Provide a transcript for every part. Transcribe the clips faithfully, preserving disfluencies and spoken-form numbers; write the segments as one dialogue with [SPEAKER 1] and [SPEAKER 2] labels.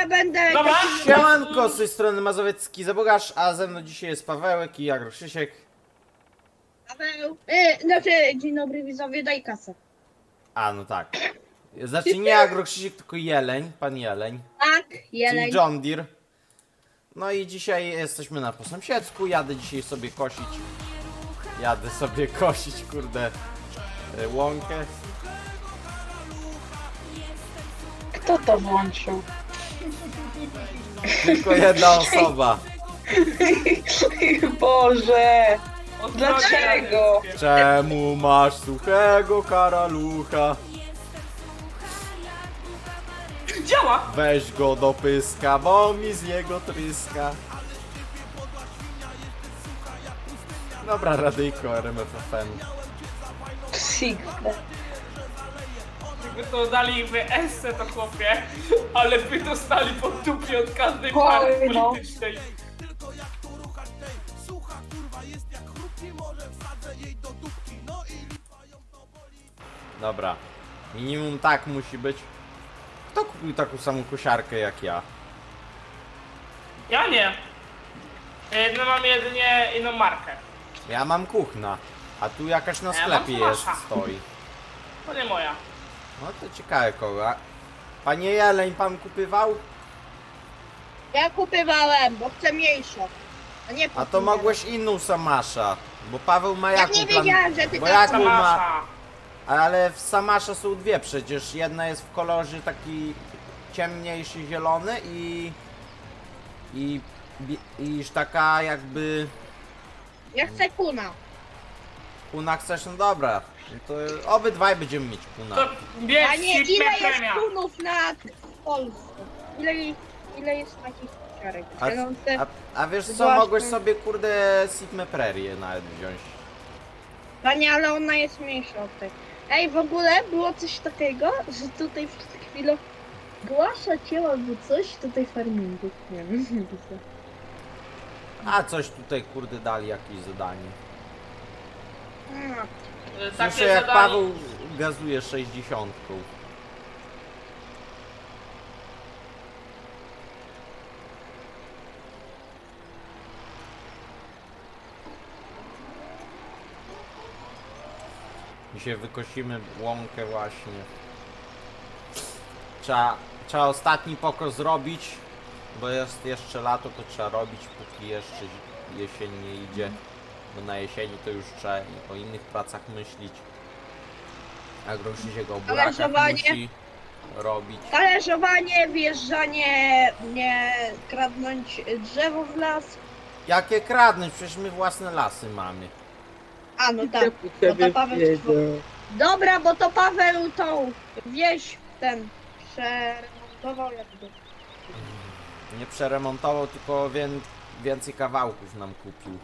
[SPEAKER 1] ja będę...
[SPEAKER 2] Dobra.
[SPEAKER 3] Siemanko, z tej strony Mazowiecki Zabogaż, a ze mną dzisiaj jest Pawełek i Agro Krzysiek.
[SPEAKER 1] Paweł, y, znaczy, dzień dobry widzowie, daj kasę.
[SPEAKER 3] A, no tak. Znaczy nie Agro Krzysiek, tylko Jeleń, pan Jeleń.
[SPEAKER 1] Tak,
[SPEAKER 3] Czyli
[SPEAKER 1] jeleń.
[SPEAKER 3] John Deere. No i dzisiaj jesteśmy na po sąsiedzku, jadę dzisiaj sobie kosić. Jadę sobie kosić, kurde, y, łąkę.
[SPEAKER 4] Kto to włączył?
[SPEAKER 3] Tylko jedna osoba.
[SPEAKER 4] Boże!
[SPEAKER 2] Od
[SPEAKER 4] Dlaczego?
[SPEAKER 3] Czemu masz suchego karalucha?
[SPEAKER 2] Działa!
[SPEAKER 3] Weź go do pyska, bo mi z niego tryska. Dobra, radyjko R M F F N.
[SPEAKER 4] Sigfle.
[SPEAKER 2] Jakby to dali w esce to chłopie, ale by dostali pod dupie od każdej
[SPEAKER 4] Oj,
[SPEAKER 2] partii
[SPEAKER 4] no.
[SPEAKER 2] politycznej.
[SPEAKER 3] Dobra, minimum tak musi być. Kto kupił taką samą kosiarkę jak ja?
[SPEAKER 2] Ja nie. E, No mam jedynie inną markę.
[SPEAKER 3] Ja mam kuchna, a tu jakaś na
[SPEAKER 2] Ja mam
[SPEAKER 3] sklepie jest,
[SPEAKER 2] Smasha.
[SPEAKER 3] stoi.
[SPEAKER 2] To nie moja.
[SPEAKER 3] No to ciekawe kogo. A- Panie Jeleń, pan kupywał?
[SPEAKER 1] Ja kupywałem, bo chcę mniejszą. A nie
[SPEAKER 3] A to mogłeś inną Samasza, bo Paweł ma
[SPEAKER 1] Ja
[SPEAKER 3] jaką
[SPEAKER 1] nie
[SPEAKER 3] plan-
[SPEAKER 1] wiedziałem, że ty
[SPEAKER 3] bo
[SPEAKER 1] tak
[SPEAKER 3] jaką ma...
[SPEAKER 2] Samasza.
[SPEAKER 3] Ale w Samasza są dwie przecież. Jedna jest w kolorze taki ciemniejszy zielony i... I... bi- iż taka jakby...
[SPEAKER 1] Ja chcę kuna.
[SPEAKER 3] Kuna chcesz? No dobra. No to obydwaj będziemy mieć kuna.
[SPEAKER 2] To
[SPEAKER 1] A
[SPEAKER 2] bierz
[SPEAKER 1] nie, ile
[SPEAKER 2] Sigma
[SPEAKER 1] jest
[SPEAKER 2] premia.
[SPEAKER 1] kunów na Polsce? Ile, ile jest takich kosiarek?
[SPEAKER 3] A,
[SPEAKER 1] Ja mam te-
[SPEAKER 3] a, a wiesz co,
[SPEAKER 1] Właśnie.
[SPEAKER 3] mogłeś sobie kurde Sigma Prairie nawet wziąć.
[SPEAKER 1] Panie, ale ona jest mniejsza od tej. Ej, w ogóle było coś takiego, że tutaj przed chwilą Głasza cię albo coś tutaj farmingu. Nie wiem, widzę.
[SPEAKER 3] A coś tutaj kurde dali jakieś zadanie.
[SPEAKER 1] A,
[SPEAKER 2] E,
[SPEAKER 3] Słyszę
[SPEAKER 2] Takie
[SPEAKER 3] jak
[SPEAKER 2] zadanie.
[SPEAKER 3] Paweł gazuje sześćdziesiątką. Dzisiaj wykosimy łąkę właśnie. Trzeba, trzeba ostatni pokos zrobić, bo jest jeszcze lato, to trzeba robić, póki jeszcze jesień nie idzie. Bo na jesieni to już trzeba i o innych pracach myśleć. A Groszysiek o burakach
[SPEAKER 1] Talerzowanie.
[SPEAKER 3] musi robić.
[SPEAKER 1] talerzowanie, wjeżdżanie, nie kradnąć drzewo w las.
[SPEAKER 3] Jakie kradnąć? Przecież my własne lasy mamy.
[SPEAKER 1] A no tak, bo to Paweł... Dobra, bo to Paweł tą wieś ten przeremontował jakby.
[SPEAKER 3] Nie przeremontował, tylko wię więcej kawałków nam kupił.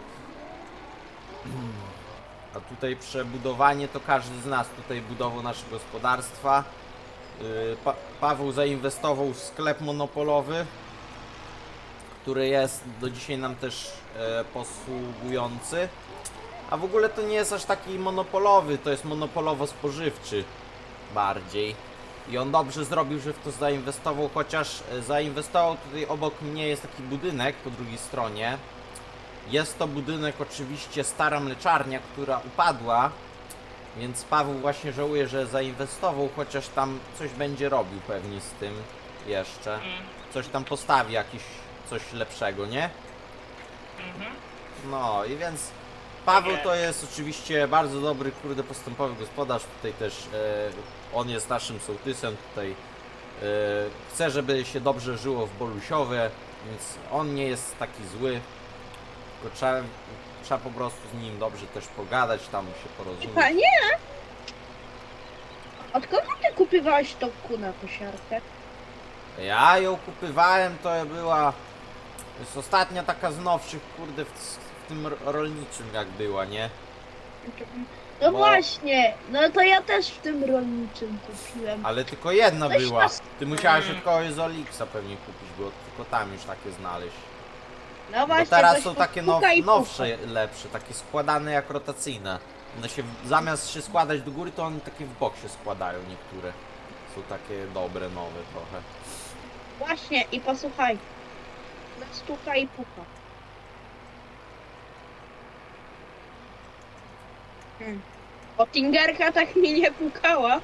[SPEAKER 3] A tutaj przebudowanie to każdy z nas tutaj budował nasze gospodarstwa. Yy, pa Paweł zainwestował w sklep monopolowy, który jest do dzisiaj nam też e, posługujący. A w ogóle to nie jest aż taki monopolowy, to jest monopolowo-spożywczy bardziej. I on dobrze zrobił, że w to zainwestował, chociaż e, zainwestował tutaj obok mnie jest taki budynek po drugiej stronie. Jest to budynek oczywiście stara mleczarnia, która upadła, więc Paweł właśnie żałuje, że zainwestował, chociaż tam coś będzie robił pewnie z tym jeszcze.
[SPEAKER 2] Mm,
[SPEAKER 3] Coś tam postawi, jakiś coś lepszego, nie?
[SPEAKER 2] mhm.
[SPEAKER 3] No i więc Paweł to jest oczywiście bardzo dobry, kurde, postępowy gospodarz. Tutaj też e, on jest naszym sołtysem. Tutaj e, chce, żeby się dobrze żyło w Bolusiowie, więc on nie jest taki zły. Tylko trzeba, trzeba po prostu z nim dobrze też pogadać, tam się porozumieć.
[SPEAKER 1] Panie! Od kogo ty kupywałeś tą kunę kosiarkę?
[SPEAKER 3] Ja ją kupywałem, to była. To jest ostatnia taka z nowszych, kurde, w, w tym rolniczym jak była, nie?
[SPEAKER 1] No
[SPEAKER 3] Bo-
[SPEAKER 1] właśnie, no to ja też w tym rolniczym kupiłem.
[SPEAKER 3] Ale tylko jedna
[SPEAKER 1] Coś
[SPEAKER 3] była.
[SPEAKER 1] nas-
[SPEAKER 3] Ty musiałeś
[SPEAKER 2] Mm.
[SPEAKER 3] od kogoś z Olixa pewnie kupić, bo tylko tam już takie znaleźć.
[SPEAKER 1] No
[SPEAKER 3] Bo
[SPEAKER 1] właśnie,
[SPEAKER 3] teraz
[SPEAKER 1] coś
[SPEAKER 3] są
[SPEAKER 1] tu
[SPEAKER 3] takie now,
[SPEAKER 1] puka i puka.
[SPEAKER 3] nowsze, lepsze, takie składane jak rotacyjne. One się zamiast się składać do góry, to one takie w bok się składają niektóre. Są takie dobre, nowe trochę.
[SPEAKER 1] właśnie, i posłuchaj. Stuka i puka. Hmm. O, Tingerka tak mi nie pukała.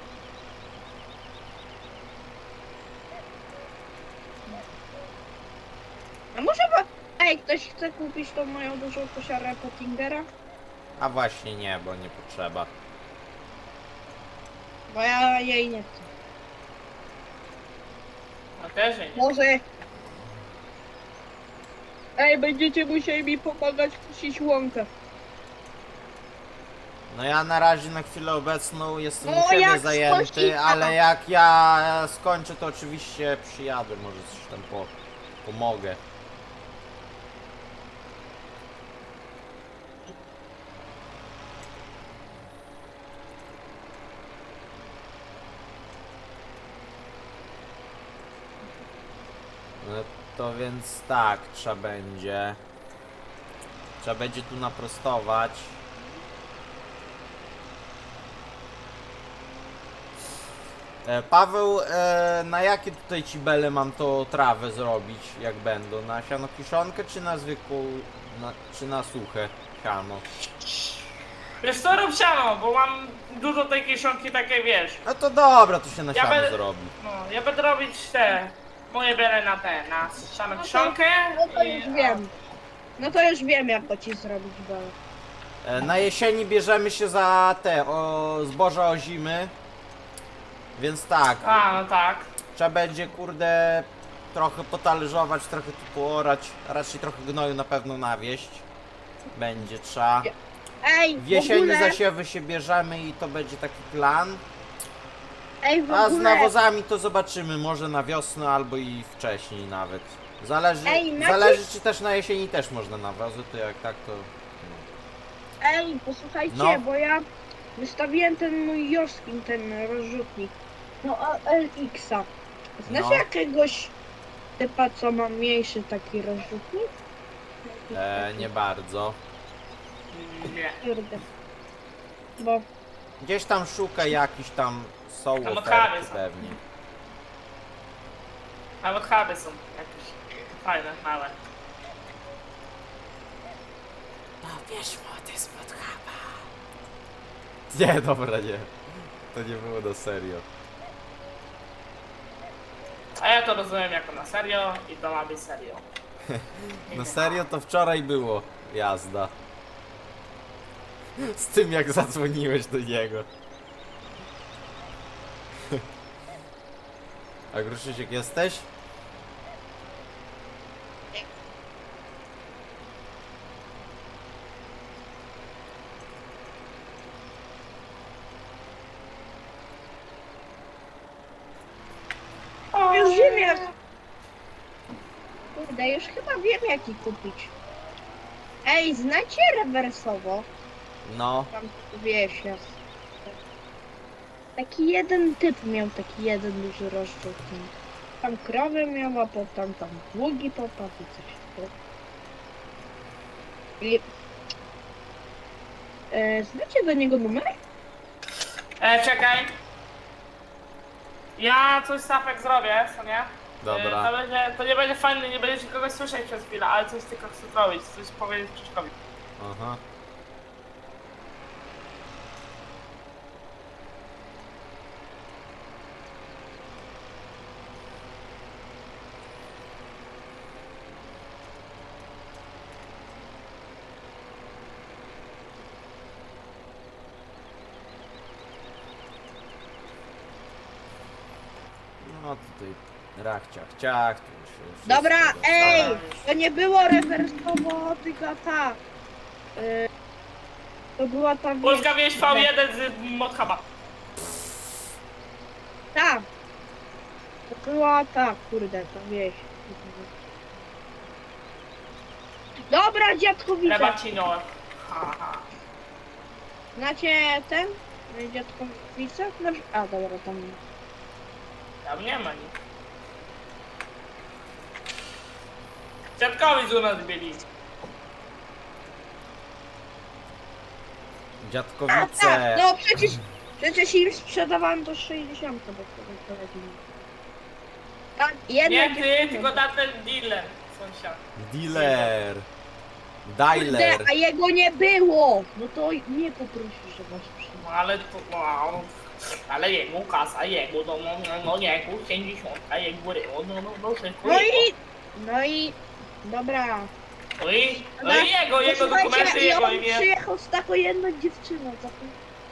[SPEAKER 1] A może bo... Ej, ktoś chce kupić tą moją dużą kosiarę Pottingera?
[SPEAKER 3] A właśnie nie, bo nie potrzeba.
[SPEAKER 1] Bo ja jej nie chcę.
[SPEAKER 2] No też nie.
[SPEAKER 1] Może... Ej, będziecie musieli mi pomagać kusić łąkę.
[SPEAKER 3] No ja na razie na chwilę obecną jestem
[SPEAKER 1] No
[SPEAKER 3] u siebie
[SPEAKER 1] jak
[SPEAKER 3] zajęty,
[SPEAKER 1] skończy-
[SPEAKER 3] ale jak ja skończę, to oczywiście przyjadę, może coś tam po, pomogę. No to więc tak, trzeba będzie. Trzeba będzie tu naprostować. E, Paweł, e, na jakie tutaj cibele mam to trawę zrobić, jak będą? Na siano kiszonkę, czy na zwykłą, na, czy na suche siano?
[SPEAKER 2] Wiesz co, rób siano, bo mam dużo tej kieszonki takiej, wiesz.
[SPEAKER 3] No to dobra, to się na
[SPEAKER 2] Ja
[SPEAKER 3] siano
[SPEAKER 2] będę-
[SPEAKER 3] zrobi.
[SPEAKER 2] No, ja będę robić te, moje biorę na te, na siano
[SPEAKER 1] No to-
[SPEAKER 2] kieszonkę.
[SPEAKER 1] No to
[SPEAKER 2] i-
[SPEAKER 1] już wiem. No to już wiem, jak to ci zrobić, Bela.
[SPEAKER 3] E, na jesieni bierzemy się za te, o, zboża ozimy. Więc tak,
[SPEAKER 2] A, no tak.
[SPEAKER 3] trzeba będzie, kurde, trochę potalerzować, trochę tu poorać, raczej trochę gnoju na pewno nawieść. Będzie trzeba.
[SPEAKER 1] Ej,
[SPEAKER 3] W
[SPEAKER 1] w
[SPEAKER 3] jesieni
[SPEAKER 1] ogóle...
[SPEAKER 3] zasiewy się bierzemy i to będzie taki plan.
[SPEAKER 1] Ej, w
[SPEAKER 3] A z
[SPEAKER 1] ogóle...
[SPEAKER 3] nawozami to zobaczymy, może na wiosnę albo i wcześniej nawet. Zależy,
[SPEAKER 1] Ej, Maciek-
[SPEAKER 3] zależy czy też na jesieni też można nawozy, to jak tak to... no.
[SPEAKER 1] Ej, posłuchajcie,
[SPEAKER 3] No.
[SPEAKER 1] bo ja wystawiłem ten mój Joskin, ten rozrzutnik. No, a L X-a. Znasz
[SPEAKER 3] No.
[SPEAKER 1] jakiegoś typa, co ma mniejszy taki rozrzutnik?
[SPEAKER 3] E, nie bardzo.
[SPEAKER 2] Nie.
[SPEAKER 1] Kurde. Bo...
[SPEAKER 3] Gdzieś tam szuka jakiś tam, są
[SPEAKER 2] Tam
[SPEAKER 3] oferty
[SPEAKER 2] okazy są.
[SPEAKER 3] pewnie.
[SPEAKER 2] Nawet chaby są jakieś fajne, małe.
[SPEAKER 3] No wiesz, młody spod chaba. Nie, dobra, nie. To nie było na serio.
[SPEAKER 2] A ja to rozumiem jako na serio i to ma być serio.
[SPEAKER 3] Na serio to wczoraj było jazda. Z tym jak zadzwoniłeś do niego. A Gruszysiek jesteś?
[SPEAKER 1] Już wiem jak... Kurde, już chyba wiem jaki kupić. Ej, znacie rewersowo?
[SPEAKER 3] No.
[SPEAKER 1] Tam wiesz, jest. Taki jeden typ miał taki jeden duży rozrzutnik. Tam krowy miała, potem tam długi popatrz i coś takiego. I... E, znacie do niego numer?
[SPEAKER 2] E, czekaj. Ja coś Safek zrobię, co nie?
[SPEAKER 3] Dobra.
[SPEAKER 2] E, to, będzie, to nie będzie fajne, nie będziecie kogoś słyszeć przez chwilę, ale coś tylko chcę zrobić, coś powiedzieć Krzyszkowi.
[SPEAKER 3] Aha. No tutaj rachciach, ciach, tu się wszystko
[SPEAKER 1] Dobra,
[SPEAKER 3] dostałem.
[SPEAKER 1] ej! To nie było rewersowo, tylko ta. Y, to była ta wieś.
[SPEAKER 2] Polska wieś V jeden z Modhuba.
[SPEAKER 1] Ta. To była ta, kurde, ta wieś. Dobra, dziadkowice.
[SPEAKER 2] Rebacino. Haha.
[SPEAKER 1] Znacie ten? Dziadkowice? No, a, dobra, tam.
[SPEAKER 2] Tam nie ma nic. Dziadkowi z u nas byli.
[SPEAKER 1] A,
[SPEAKER 3] Dziadkowice.
[SPEAKER 1] tak, no przecież, przecież im sprzedawałem to sześćdziesiąt, bo to prowadzili. A, jedna
[SPEAKER 2] Nie ty,
[SPEAKER 1] dziewczyna.
[SPEAKER 2] tylko tamten dealer, sąsiad.
[SPEAKER 3] Dealer.
[SPEAKER 1] Kurde,
[SPEAKER 3] Dialer.
[SPEAKER 1] a jego nie było! No to nie poprosisz, że was przyjdzie.
[SPEAKER 2] No ale to, wow. Ale jego kasa, jego, no, no, no, no jego pięćdziesiątka, jego ryło, no, no, no, wszystko
[SPEAKER 1] No
[SPEAKER 2] jego.
[SPEAKER 1] i... No i... Dobra.
[SPEAKER 2] No i, no i jego, jego
[SPEAKER 1] Posłuchajcie,
[SPEAKER 2] dokumenty,
[SPEAKER 1] i
[SPEAKER 2] jego
[SPEAKER 1] on
[SPEAKER 2] imię.
[SPEAKER 1] przyjechał z taką jedną dziewczyną. Taką...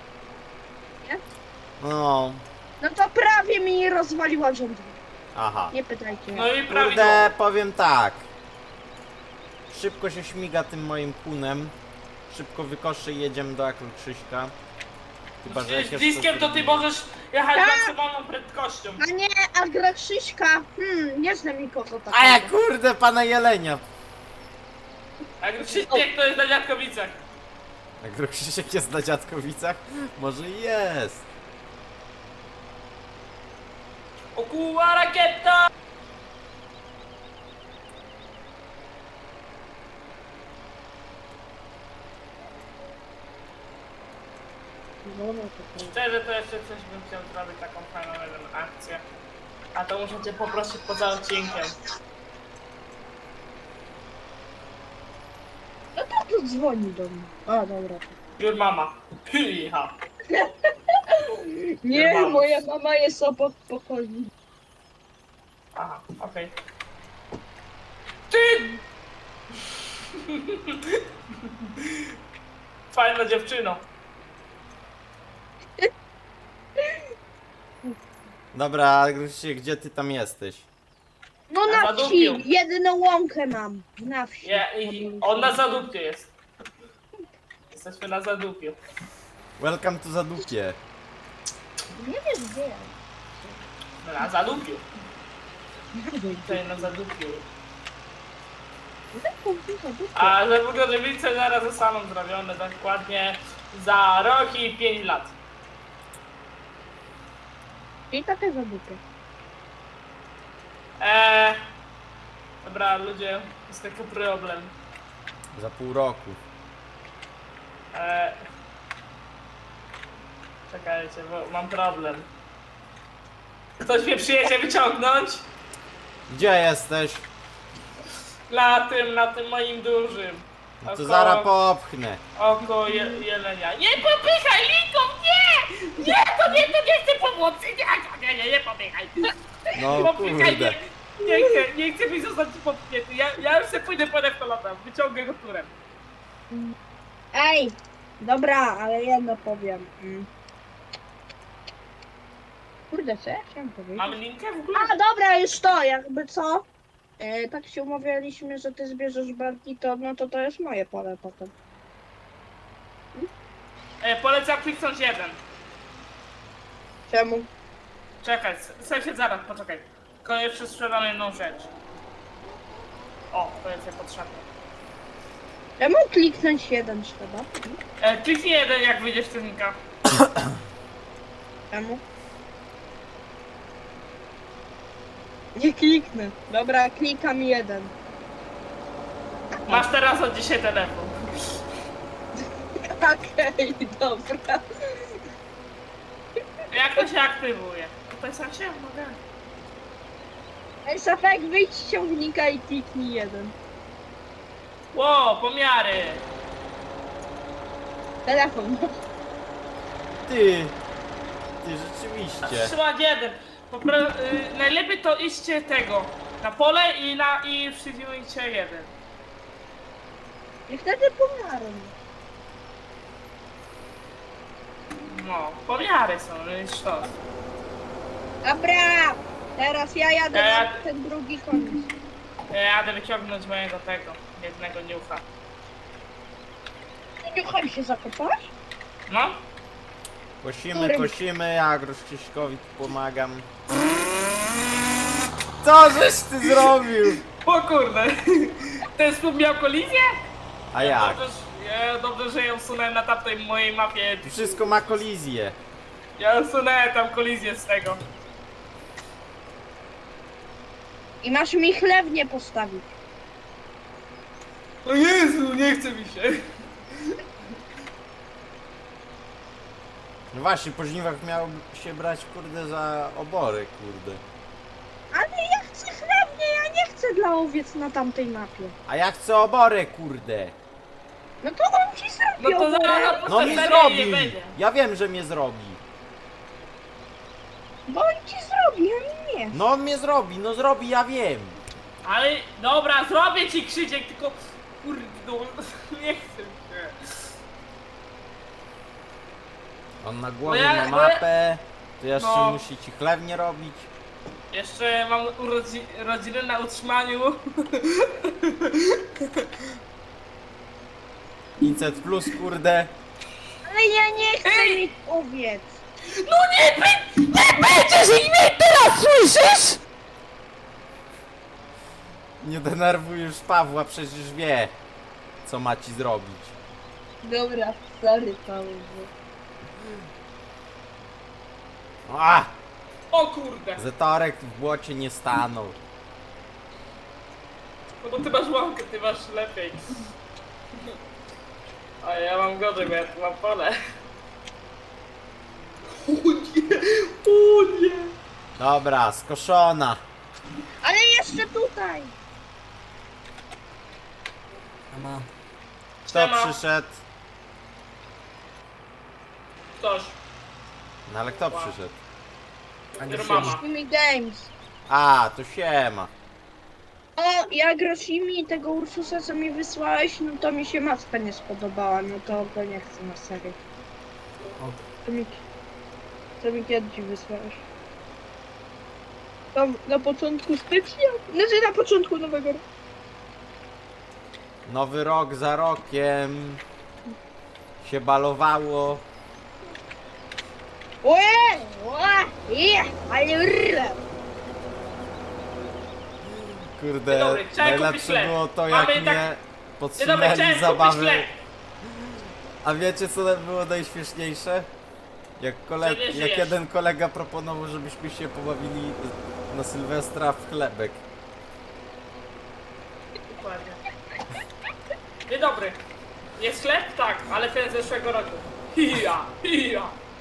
[SPEAKER 3] No.
[SPEAKER 1] No to prawie mi rozwaliła rząd.
[SPEAKER 3] Aha.
[SPEAKER 1] Nie pytajcie.
[SPEAKER 2] No i prawidłowo.
[SPEAKER 3] Kurde, powiem tak. Szybko się śmiga tym moim kunem. Szybko wykoszy i jedziemy do Akru Krzyśka. Chyba, że
[SPEAKER 2] Przecież
[SPEAKER 3] jak
[SPEAKER 2] z diskiem to ty możesz jechać
[SPEAKER 1] Tak.
[SPEAKER 2] maksymalną prędkością.
[SPEAKER 1] A nie, a gra Krzyśka. Hmm, nie znam nikogo takiego.
[SPEAKER 3] A ja kurde, pana Jelenia.
[SPEAKER 2] Jak Krzysiek to jest na Dziadkowicach.
[SPEAKER 3] Akru Krzysiek jest na Dziadkowicach? Może i jest.
[SPEAKER 2] O kurwa, rakieta!
[SPEAKER 1] No, no to prawda.
[SPEAKER 2] Szczerze to jeszcze coś bym chciał zrobić, taką fajną jeden akcję. A to muszę cię poprosić poza odcinkiem.
[SPEAKER 1] No to tu dzwoni do mnie. A, dobra.
[SPEAKER 2] Your mama. Hyha.
[SPEAKER 1] Nie,
[SPEAKER 2] Mama.
[SPEAKER 1] moja mama jest obok pokoju.
[SPEAKER 2] Aha, okej. Ty! Fajna dziewczyno.
[SPEAKER 3] Dobra, Akru Krzysiek, gdzie ty tam jesteś?
[SPEAKER 1] No
[SPEAKER 2] Na
[SPEAKER 1] na wsi,
[SPEAKER 2] zadupiu.
[SPEAKER 1] jedyną łąkę mam. Na wsi.
[SPEAKER 2] Ja, i, on na zadupiu jest. Jesteśmy na zadupiu.
[SPEAKER 3] Welcome to Zadupie.
[SPEAKER 1] Nie wiesz gdzie ja.
[SPEAKER 2] No, na zadupiu. Tutaj na zadupiu. A że Bugożywice zaraz zostaną zrobione dokładnie za rok i pięć lat.
[SPEAKER 1] I takie zadupie.
[SPEAKER 2] Eee, dobra, ludzie, jest taki problem.
[SPEAKER 3] Za pół roku.
[SPEAKER 2] Eee, czekajcie, bo mam problem. Ktoś mnie przyjedzie wyciągnąć?
[SPEAKER 3] Gdzie jesteś?
[SPEAKER 2] Na tym, na tym moim dużym.
[SPEAKER 3] No to
[SPEAKER 2] Oko-
[SPEAKER 3] zaraz popchnę.
[SPEAKER 2] Oko je, jelenia. Nie popychaj, Linką, nie! Nie, to nie, to nie chcę pomocy, nie, nie, nie, nie popychaj.
[SPEAKER 3] No
[SPEAKER 2] Popychaj,
[SPEAKER 3] kurde.
[SPEAKER 2] nie, nie chcę, nie chcę mi zostać popchnięty. Ja, ja już sobie pójdę po neftalata, wyciągę go turem.
[SPEAKER 1] Ej, dobra, ale jedno powiem. Mm. Kurde, co ja chciałem powiedzieć?
[SPEAKER 2] Mamy linkę w ogóle?
[SPEAKER 1] A dobra, już to, jakby co? E, tak się umawialiśmy, że ty zbierzesz belki, to no to to jest moje pole potem.
[SPEAKER 2] E, polecam kliknąć jeden.
[SPEAKER 1] Czemu?
[SPEAKER 2] Czekaj, s- sąsiad zaraz, poczekaj. Tylko jeszcze sprzedam jedną rzecz. O, to jest potrzebne.
[SPEAKER 1] Czemu kliknąć jeden trzeba?
[SPEAKER 2] E, kliknij jeden, jak wyjdziesz z filmika.
[SPEAKER 1] Czemu? Nie kliknę. Dobra, klikam jeden.
[SPEAKER 2] Masz teraz od dzisiaj telefon.
[SPEAKER 1] Okej, dobra.
[SPEAKER 2] Jak to się aktywuje? Tutaj sam się mogę.
[SPEAKER 1] Ej, Safek, wyjdź z ciągnika i kliknij jeden.
[SPEAKER 2] Ło, pomiary.
[SPEAKER 1] Telefon.
[SPEAKER 3] Ty. Ty rzeczywiście.
[SPEAKER 2] Trzymać jeden. Popra- y, najlepiej to iście tego. Na pole i na i przyjmujcie jeden.
[SPEAKER 1] I wtedy pomiarem.
[SPEAKER 2] No, pomiary są, no i sztos.
[SPEAKER 1] Dobra, teraz ja jadę
[SPEAKER 2] Ja-
[SPEAKER 1] na ten drugi koniec.
[SPEAKER 2] Ja jadę wyciągnąć mojego tego, jednego niucha.
[SPEAKER 1] Ty niuchem się zakopałeś?
[SPEAKER 2] No?
[SPEAKER 3] Kosimy,
[SPEAKER 1] Którym?
[SPEAKER 3] kosimy, ja Krzyśkowi tu pomagam. Co żeś ty zrobił?
[SPEAKER 2] O kurde! Ten słup miał kolizję?
[SPEAKER 3] A jak?
[SPEAKER 2] Dobrze, ja, dobrze, że ja usunąłem na tamtej mojej mapie.
[SPEAKER 3] Tu wszystko ma kolizję.
[SPEAKER 2] Ja usunąłem tam kolizję z tego.
[SPEAKER 1] I masz mi chlewnię postawić.
[SPEAKER 2] O Jezu, nie chce mi się.
[SPEAKER 3] No właśnie, po żniwach miał się brać kurde za obory, kurde.
[SPEAKER 1] Ale ja za owiec na tamtej mapie?
[SPEAKER 3] A ja chcę oborę, kurde.
[SPEAKER 1] No to on ci zrobi
[SPEAKER 2] No to
[SPEAKER 1] oborę.
[SPEAKER 2] zaraz na
[SPEAKER 3] No mi
[SPEAKER 2] posterunku
[SPEAKER 3] zrobi.
[SPEAKER 2] nie będzie.
[SPEAKER 3] Ja wiem, że mnie zrobi.
[SPEAKER 1] Bo on ci zrobi, a mi nie.
[SPEAKER 3] No on mnie zrobi, no zrobi, ja wiem.
[SPEAKER 2] Ale dobra, zrobię ci Krzysiek, tylko kurde, no, nie chcę się.
[SPEAKER 3] On na głowie
[SPEAKER 2] No ja-
[SPEAKER 3] ma
[SPEAKER 2] no ja-
[SPEAKER 3] mapę. To jeszcze
[SPEAKER 2] No.
[SPEAKER 3] musi ci chlewnie robić.
[SPEAKER 2] Jeszcze mam urodzi rodzinę na utrzymaniu.
[SPEAKER 3] pięćset plus, kurde.
[SPEAKER 1] Ale ja nie chcę
[SPEAKER 2] Ej!
[SPEAKER 1] mieć owiec.
[SPEAKER 2] No nie, by, nie będziesz ich mieć teraz, słyszysz?
[SPEAKER 3] Nie denerwuj już Pawła, przecież wie, co ma ci zrobić.
[SPEAKER 1] Dobra, sorry Paweł.
[SPEAKER 3] A!
[SPEAKER 2] O kurde,
[SPEAKER 3] Zetorek w błocie nie stanął.
[SPEAKER 2] no bo ty masz łąkę, ty masz lepiej. A ja mam gorzej, bo ja tu mam pole. O nie, o nie.
[SPEAKER 3] Dobra, skoszona.
[SPEAKER 1] Ale jeszcze tutaj.
[SPEAKER 5] Mama.
[SPEAKER 3] Kto
[SPEAKER 2] Siema.
[SPEAKER 3] przyszedł?
[SPEAKER 2] Ktoś,
[SPEAKER 3] No ale kto przyszedł?
[SPEAKER 5] Ania
[SPEAKER 2] mama.
[SPEAKER 5] siedzi.
[SPEAKER 1] Shimi Games.
[SPEAKER 3] A, to siema.
[SPEAKER 1] O, jak Roshimi i tego Ursusa, co mi wysłałeś, no to mi się maska nie spodobała, no to go nie chcę na serię.
[SPEAKER 5] O.
[SPEAKER 1] To mi, to mi kiedy ci wysłałeś? Tam na początku stycznia? Znaczy na początku nowego roku.
[SPEAKER 3] Nowy rok za rokiem. Się balowało.
[SPEAKER 1] Ojej! Ojej! Ale rrr!
[SPEAKER 3] Kurde,
[SPEAKER 2] Dzień dobry, chciałem kupić
[SPEAKER 3] najlepsze
[SPEAKER 2] chleb.
[SPEAKER 3] było to,
[SPEAKER 2] Mamy
[SPEAKER 3] jak
[SPEAKER 2] tak-
[SPEAKER 3] mnie
[SPEAKER 2] Dzień dobry, chciałem
[SPEAKER 3] podsunęli
[SPEAKER 2] kupić
[SPEAKER 3] zabawy.
[SPEAKER 2] chleb.
[SPEAKER 3] A wiecie co było najśmieszniejsze? Jak, kole...
[SPEAKER 2] Że nie
[SPEAKER 3] jak
[SPEAKER 2] żyjesz.
[SPEAKER 3] jeden kolega proponował, żebyśmy się pobawili na Sylwestra w chlebek.
[SPEAKER 2] Dokładnie. Dzień dobry. Jest chleb? Tak, ale ten z zeszłego roku. Hija, hija.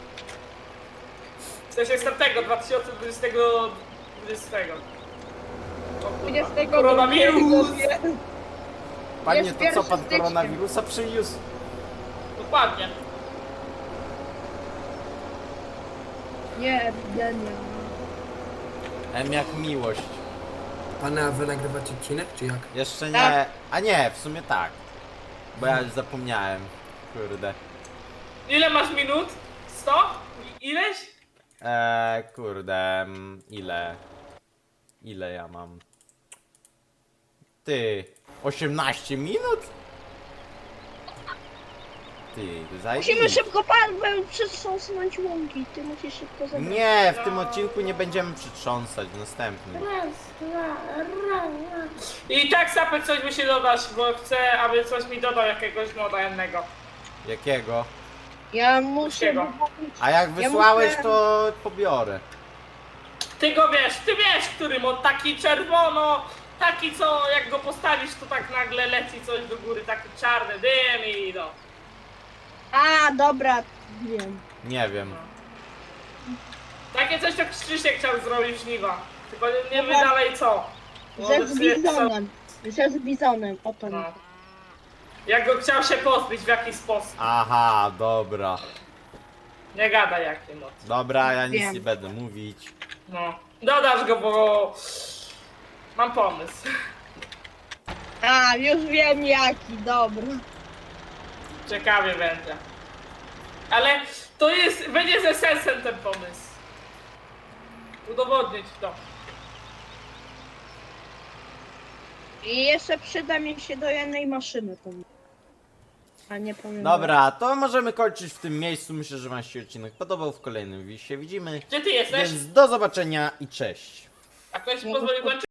[SPEAKER 2] W sensie z tamtego, dwa tysiące dwudziestego. dwudziestego. O kurwa.
[SPEAKER 1] dwudziestego
[SPEAKER 2] Koronawirus!
[SPEAKER 3] Panie,
[SPEAKER 1] Jest
[SPEAKER 3] to co
[SPEAKER 1] pierwszy
[SPEAKER 3] pan
[SPEAKER 1] stycznia.
[SPEAKER 3] koronawirusa przyniósł?
[SPEAKER 2] Dokładnie.
[SPEAKER 1] Nie, ja nie.
[SPEAKER 3] M jak miłość.
[SPEAKER 5] Pana, wy nagrywacie odcinek, czy jak?
[SPEAKER 3] Jeszcze nie.
[SPEAKER 1] Tak.
[SPEAKER 3] A nie, w sumie tak. Bo ja już zapomniałem. Kurde.
[SPEAKER 2] Ile masz minut? sto? I- Ileś?
[SPEAKER 3] Eee, kurde. mm, Ile? Ile ja mam? Ty. osiemnaście minut? Ty,
[SPEAKER 1] Musimy
[SPEAKER 3] zajebiście.
[SPEAKER 1] szybko Paweł przetrząsnąć łąki. Ty musisz szybko zabrać.
[SPEAKER 3] Nie, w tym odcinku nie będziemy przytrząsać, w następnym.
[SPEAKER 2] I tak Sapek coś musi dodać, bo chcę, aby coś mi dodał jakiegoś moda jednego.
[SPEAKER 3] Jakiego?
[SPEAKER 1] Ja muszę...
[SPEAKER 2] Wszystkiego.
[SPEAKER 3] A jak wysłałeś,
[SPEAKER 1] muszę-
[SPEAKER 3] to pobiorę.
[SPEAKER 2] Ty go wiesz, ty wiesz, który mod, taki czerwono, taki co jak go postawisz, to tak nagle leci coś do góry, taki czarny dym i no.
[SPEAKER 1] A, dobra, wiem.
[SPEAKER 3] Nie wiem.
[SPEAKER 2] Takie coś tak Krzysiek chciał zrobić żniwa. Tylko nie, nie wie
[SPEAKER 1] Dobra.
[SPEAKER 2] dalej co. Bo
[SPEAKER 1] Że z
[SPEAKER 2] obecnie-
[SPEAKER 1] bizonem. Że z bizonem, o to mi.
[SPEAKER 2] No. Jak go chciał się pozbyć w jakiś sposób.
[SPEAKER 3] Aha, dobra.
[SPEAKER 2] Nie gada jaki mod.
[SPEAKER 3] Dobra, ja nic
[SPEAKER 1] Wiem.
[SPEAKER 3] nie będę mówić.
[SPEAKER 2] No. Dodasz go, bo mam pomysł.
[SPEAKER 1] A, już wiem jaki, dobra.
[SPEAKER 2] Ciekawie będzie. Ale to jest, będzie ze sensem ten pomysł. Udowodnić to.
[SPEAKER 1] I jeszcze przyda mi się do jednej maszyny to. A nie powiem.
[SPEAKER 3] Dobra, to możemy kończyć w tym miejscu. Myślę, że wam się odcinek podobał. W kolejnym się widzimy.
[SPEAKER 2] Gdzie ty jesteś?
[SPEAKER 3] Więc do zobaczenia i cześć.
[SPEAKER 2] A ktoś mi pozwolił kończyć?